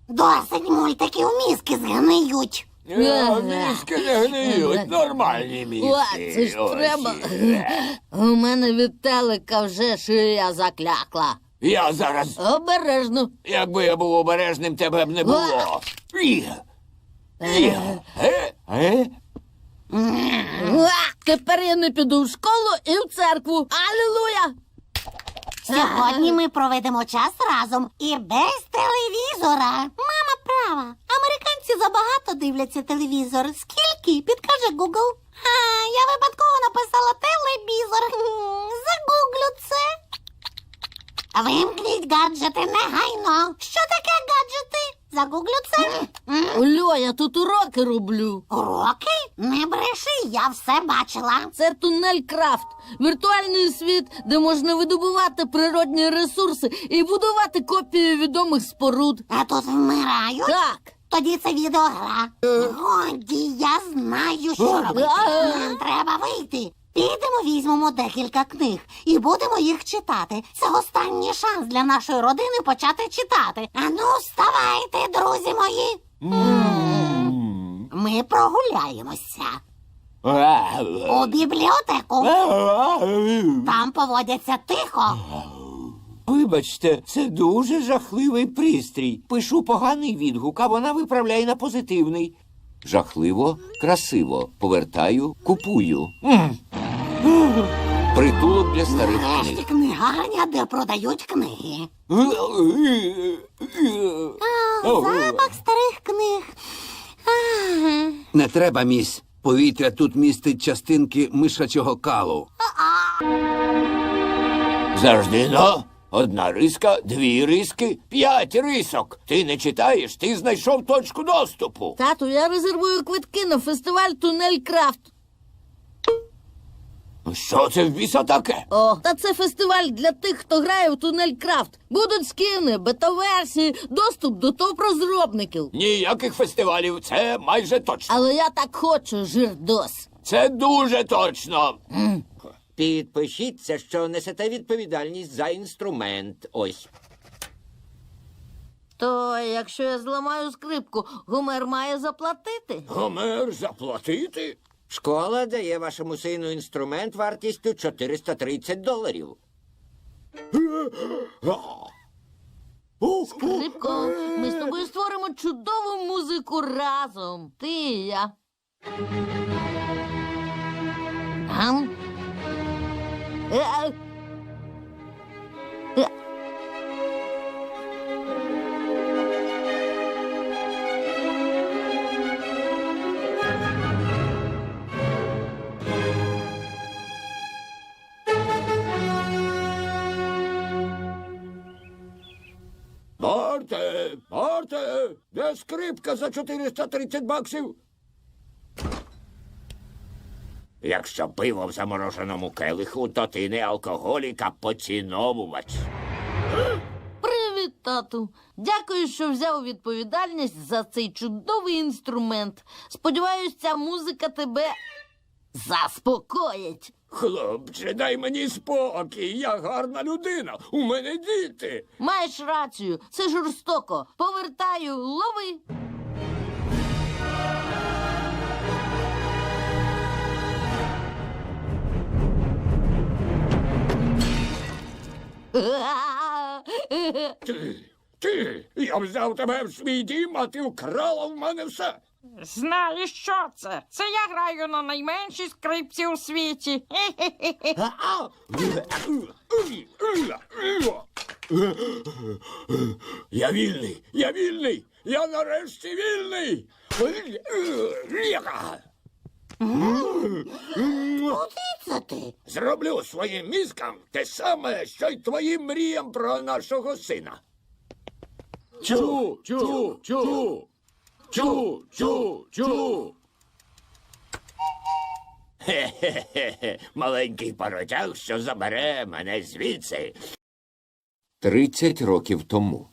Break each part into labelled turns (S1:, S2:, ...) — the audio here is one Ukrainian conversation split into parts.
S1: Досить мультиків, мізки згниють.
S2: Мізки не гниють, нормальні мізки.
S3: О, це ж
S2: Ось.
S3: треба. У мене від телека вже шия заклякла.
S2: Я зараз,
S3: Обережно.
S2: якби я був обережним, тебе б не було.
S3: Тепер я не піду в школу і в церкву. Алілуя!
S1: Сьогодні ми проведемо час разом і без телевізора. Мама права. Американці забагато дивляться телевізор. Скільки? Підкаже Google. Я випадково написала телевізор. Загуглю це. Вимкніть гаджети негайно. Що таке гаджети? Загуглю це.
S3: Ольо, я тут уроки роблю.
S1: Уроки? Не бреши, я все бачила.
S3: Це тунель Крафт. Віртуальний світ, де можна видобувати природні ресурси і будувати копії відомих споруд.
S1: А тут вмирають?
S3: Так.
S1: Тоді це відеогра. Годі, я знаю, що робити. Нам треба вийти. Підемо, візьмемо декілька книг і будемо їх читати. Це останній шанс для нашої родини почати читати. Ану, вставайте, друзі мої. Ми прогуляємося. У бібліотеку. Там поводяться тихо.
S2: Вибачте, це дуже жахливий пристрій. Пишу поганий відгук, а вона виправляє на позитивний. Жахливо, красиво. Повертаю, купую. Притулок для старих
S1: Нарешті
S2: книг.
S1: книгарня, де продають книги. Запах старих книг.
S4: Не треба, місь. Повітря тут містить частинки мишачого калу.
S2: Завжди, но. Одна риска, дві риски, 5 рисок. Ти не читаєш, ти знайшов точку доступу.
S3: Тату, я резервую квитки на фестиваль Тунель Крафт.
S2: Що це в біса таке?
S3: О, та це фестиваль для тих, хто грає в Тунель Крафт. Будуть скини, бета-версії, доступ до топ-розробників.
S2: Ніяких фестивалів, це майже точно.
S3: Але я так хочу, жирдос.
S2: Це дуже точно.
S5: Підпишіться, що несете відповідальність за інструмент. Ось.
S3: То якщо я зламаю скрипку, Гомер має заплатити?
S2: Гомер, заплатити?
S5: Школа дає вашому сину інструмент вартістю $430.
S3: Скрипко, ми з тобою створимо чудову музику разом. Ти і я. Ам? Е. Е.
S2: Марте, де скрипка за $430? Якщо пиво в замороженому келиху, то ти не алкоголік, а поціновувач.
S3: Привіт, тату. Дякую, що взяв відповідальність за цей чудовий інструмент. Сподіваюсь, ця музика тебе заспокоїть.
S2: Хлопче, дай мені спокій, я гарна людина, у мене діти.
S3: Маєш рацію, це жорстоко. Повертаю, лови.
S2: Я взяв тебе в свій дім, а ти вкрала в мене все.
S6: Знаєш, що це? Це я граю на найменшій скрипці у світі.
S2: Я вільний, я нарешті вільний.
S1: Куди це ти?
S2: Зроблю своїм мізкам те саме, що й твоїм мріям про нашого сина. Чу. Хе-хе-хе, маленький паротяг, що забере мене звідси. 30 років тому.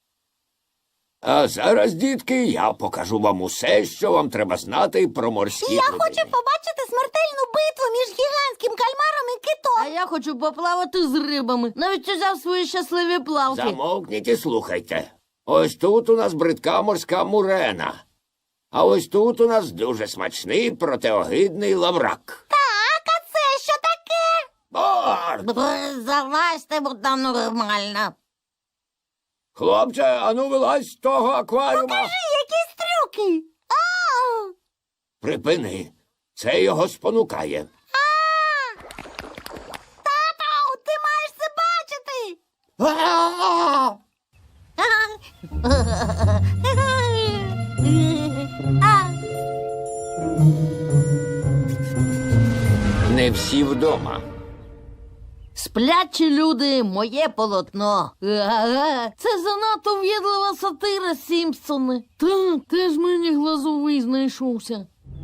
S2: А зараз, дітки, я покажу вам усе, що вам треба знати про морські
S1: Я
S2: глибини.
S1: хочу побачити смертельну битву між гігантським кальмаром і китом.
S3: А я хочу поплавати з рибами. Навіть узяв свої щасливі плавки.
S2: Замовкніть і слухайте. Ось тут у нас бридка морська мурена. А ось тут у нас дуже смачний протеогидний лаврак.
S1: Так, а це що таке?
S2: Борт!
S3: Залазьте, бо там нормально.
S2: Хлопче, ану вилазь з того акваріума.
S1: Якісь трюки. Ау!
S2: Припини. Це його спонукає.
S1: Тату, ти маєш це бачити.
S2: Не всі вдома.
S3: Сплячі люди, моє полотно. Ага, це занадто в'єдлива сатира, Сімпсони. Так, теж мені глазовий знайшовся.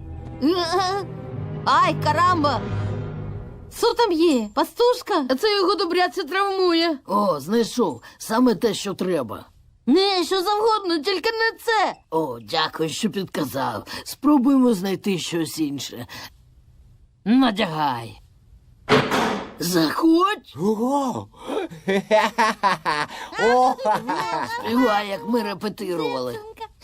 S3: Ай, карамба! Що там є? Пастушка? А це його добряться травмує. О, знайшов. Саме те, що треба. Не, що завгодно, тільки не це. О, дякую, що підказав. Спробуємо знайти щось інше. Надягай. Заходь.
S2: Ого!
S3: Співай, як ми репетирували.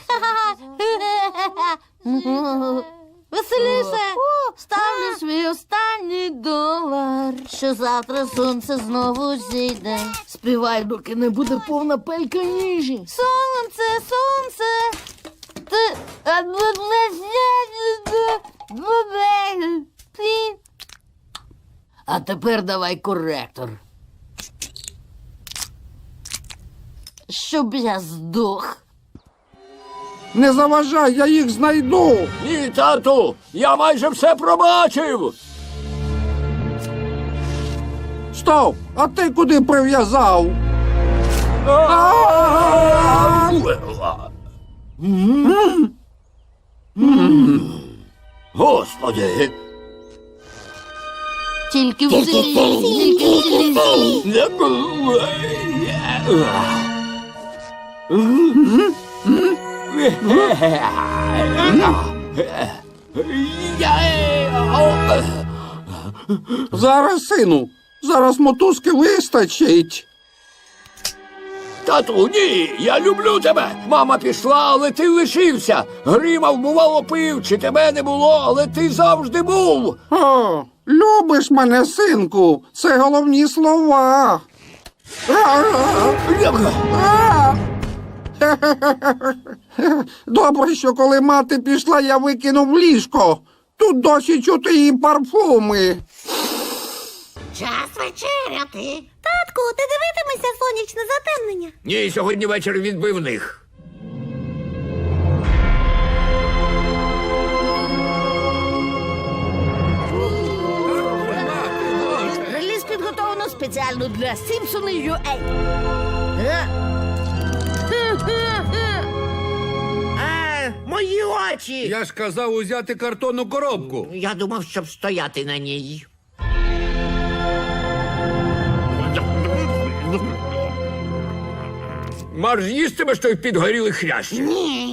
S3: Веселіше! Ставлю свій останній долар, що завтра сонце знову зійде. Співай, доки не буде повна пелька їжі. Сонце, сонце. А тепер давай коректор. Щоб я здох.
S4: Не заважай, я їх знайду.
S2: Ні, тату, я майже все пробачив.
S4: Стоп! А ти куди прив'язав?
S2: Господи.
S3: Тільки в селі, тільки в селі.
S4: Зараз, сину, зараз мотузки вистачить.
S2: Тату, ні, я люблю тебе. Мама пішла, але ти лишився. Гримав, бувало, пив, чи тебе не було, але ти завжди був.
S4: О, любиш мене, синку, це головні слова. Добре, що коли мати пішла, я викинув ліжко. Тут досі чути її парфуми.
S1: Час вечеряти. Татку, ти дивитимешся сонячне затемнення?
S2: Ні, сьогодні вечір відбивних.
S3: Реліз підготовлено спеціально для Сімпсони UA.
S5: Мої очі!
S4: Я ж казав узяти картонну коробку.
S5: Я думав, щоб стояти на ній.
S2: Марш їстимеш той підгорілий хрящ.
S1: Ні.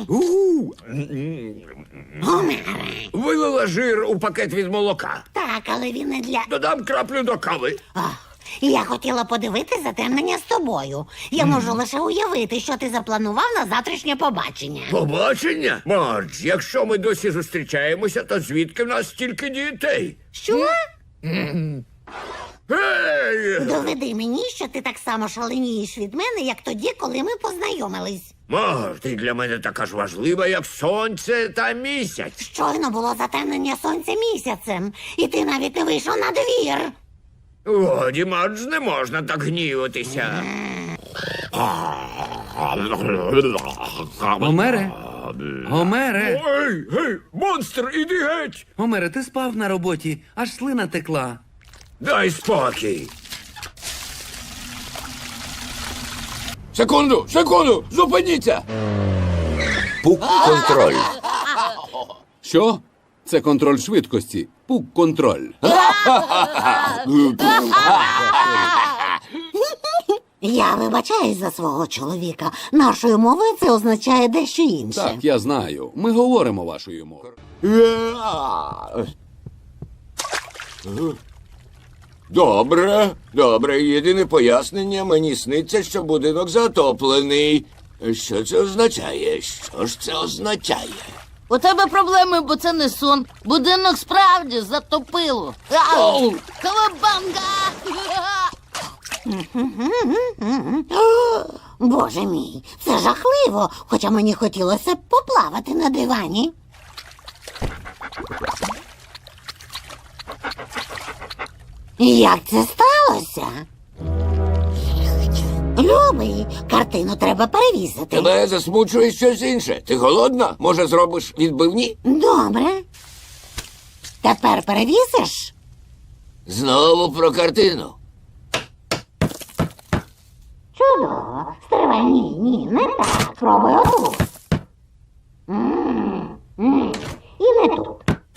S2: Вилила жир у пакет від молока.
S1: Так, але він не для.
S2: Додам краплю до кави.
S1: Я хотіла подивитись затемнення з тобою. Я можу лише уявити, що ти запланував на завтрашнє побачення.
S2: Побачення? Мардж, якщо ми досі зустрічаємося, то звідки в нас стільки дітей?
S1: Що?
S2: Гей!
S1: Доведи мені, що ти так само шаленієш від мене, як тоді, коли ми познайомились.
S2: Мардж, ти для мене така ж важлива, як сонце та місяць.
S1: Щойно було затемнення сонця місяцем, і ти навіть не вийшов на двір.
S2: Годі, Мардж, не можна так гніватися.
S7: Гомере? Гомере?
S2: Ей, гей, монстр, іди геть!
S7: Гомере, ти спав на роботі, аж слина текла.
S2: Дай спокій. Секунду, секунду, зупиніться! Пук-контроль.
S4: Що? Це контроль швидкості. Пук-контроль.
S1: Я вибачаюсь за свого чоловіка. Нашою мовою це означає дещо інше.
S4: Так, я знаю. Ми говоримо вашою мовою.
S2: Добре, добре. Єдине пояснення, мені сниться, що будинок затоплений. Що це означає? Що ж це означає?
S3: У тебе проблеми, бо це не сон. Будинок справді затопило. Ау! Кавабанга!
S1: Боже мій, це жахливо, хоча мені хотілося б поплавати на дивані. Як це сталося? Любий, картину треба перевісити.
S2: Тебе засмучує щось інше. Ти голодна? Може, зробиш відбивні?
S1: Добре. Тепер перевісиш?
S2: Знову про картину.
S1: Чудово. Стривай, ні, не так. Спробуй отут. І не тут.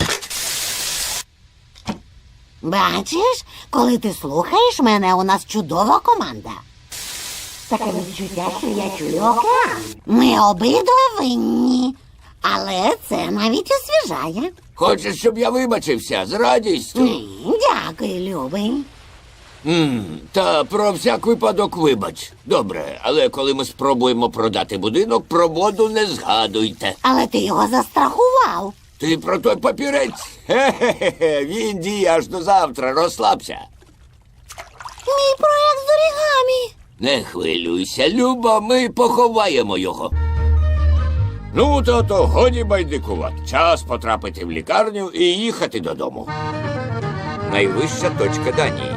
S1: Бачиш, коли ти слухаєш мене, у нас чудова команда. Таке відчуття, що я чую океан. Ми обидва винні. Але це навіть освіжає.
S2: Хочеш, щоб я вибачився? З радістю.
S1: Дякую, любий.
S2: Та про всяк випадок вибач. Добре, але коли ми спробуємо продати будинок, про воду не згадуйте.
S1: Але ти його застрахував.
S2: Ти про той папірець? Хе-хе-хе, він діє аж до завтра, розслабся.
S1: Мій проект з орігамі.
S2: Не хвилюйся, Люба, ми поховаємо його. Ну, то годі байдикувати. Час потрапити в лікарню і їхати додому. Найвища точка Данії.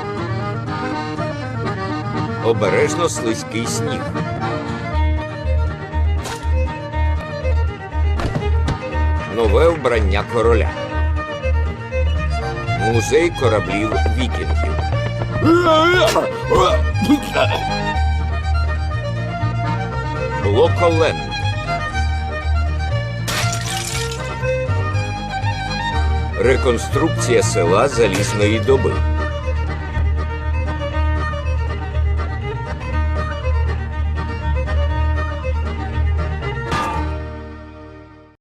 S2: Обережно слизький сніг. Нове вбрання короля. Музей кораблів вікінгів. Блоколенд. Реконструкція села залізної доби.